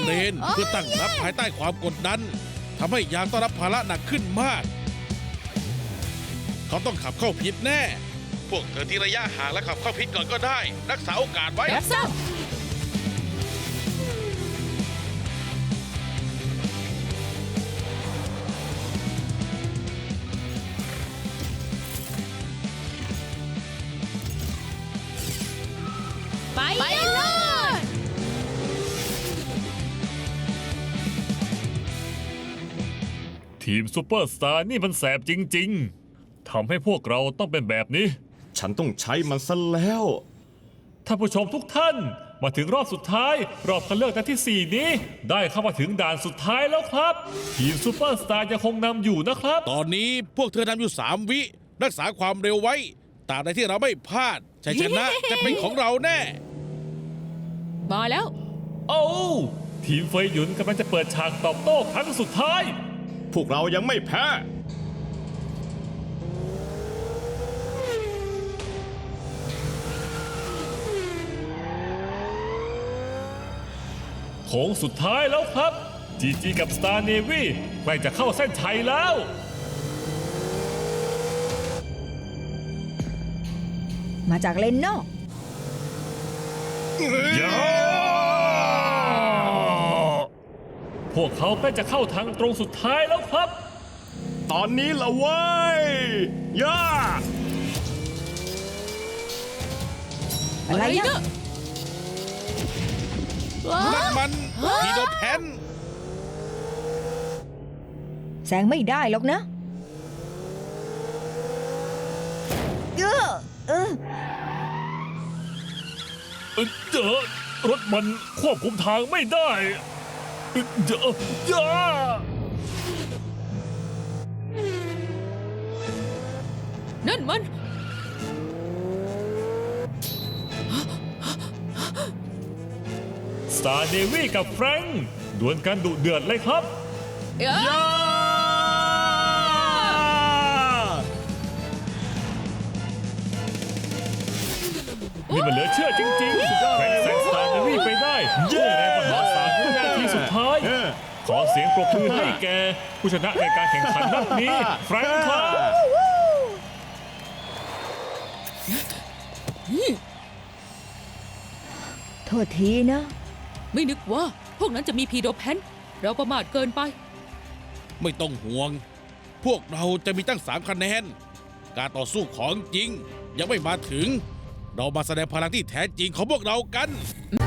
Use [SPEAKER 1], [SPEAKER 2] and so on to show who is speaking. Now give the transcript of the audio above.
[SPEAKER 1] เลนเพื่อตั้งรับภายใต้ความกดดันทำให้ยามต้องรับภาระหนักขึ้นมาก เขาต้องขับเข้าพิษแน่ พวกเธอที่ระยะห่างและขับเข้าพิษก่อนก็ได้ รักษาโอกาสไว้
[SPEAKER 2] รับทราบไปเลย
[SPEAKER 3] ทีมซูเปอร์สตาร์นี่มันแสบจริงๆ ทำให้พวกเราต้องเป็นแบบนี้
[SPEAKER 4] ฉันต้องใช้มันซะแล้ว
[SPEAKER 3] ท่านผู้ชมทุกท่านมาถึงรอบสุดท้าย รอบคัดเลือกนัดที่ 4 นี้ ได้เข้ามาถึงด่านสุดท้ายแล้วครับ ทีมซูเปอร์สตาร์ยังคงนำอยู่นะครับ
[SPEAKER 1] ตอนนี้พวกเธอนำอยู่3 วิรักษาความเร็วไว้ตราบใดที่เราไม่พลาดชัยชนะ จะเป็นของเราแน่
[SPEAKER 2] มาแล้ว
[SPEAKER 3] โอ้ทีมเฟยหยุนกำลังจะเปิดฉากตอบโต้ครั้งสุดท้าย
[SPEAKER 4] พวกเรายังไม่แพ้
[SPEAKER 3] โค้งสุดท้ายแล้วครับ GG กับ Star Navy ใกล้จะเข้าเส้นชัยแล้ว
[SPEAKER 5] มาจากเลนนอก
[SPEAKER 3] พวกเขาใกล้จะเข้าทางตรงสุดท้ายแล้วครับ
[SPEAKER 4] ตอนนี้ละเว้ยย่า
[SPEAKER 5] อะไรนะ
[SPEAKER 1] นั่นมันพีโดแพน
[SPEAKER 5] แซงไม่ได้หรอกนะเออ
[SPEAKER 3] รถมันควบคุมทางไม่ได้ย่า
[SPEAKER 2] นั่นมัน
[SPEAKER 3] Star Navy กับแฟรงค์ดวลกันดุเดือดเลยครับ นี่มันเหลือเชื่อจริงๆแฟรงค์แซง Star Navy ไปได้ด้วยแรงมหาศาลในนาทีสุดท้าย ขอเสียงปรบมือให้แกผู้ชนะในการแข่งขันนัดนี้แฟรงค์ครับ
[SPEAKER 5] โทษทีนะ
[SPEAKER 2] ไม่นึกว่าพวกนั้นจะมีพีโดแพนเราประมาทเกินไป
[SPEAKER 1] ไม่ต้องห่วง พวกเราจะมีตั้ง3 คะแนน การต่อสู้ของจริงยังไม่มาถึง เรามาแสดงพลังที่แท้จริงของพวกเรากัน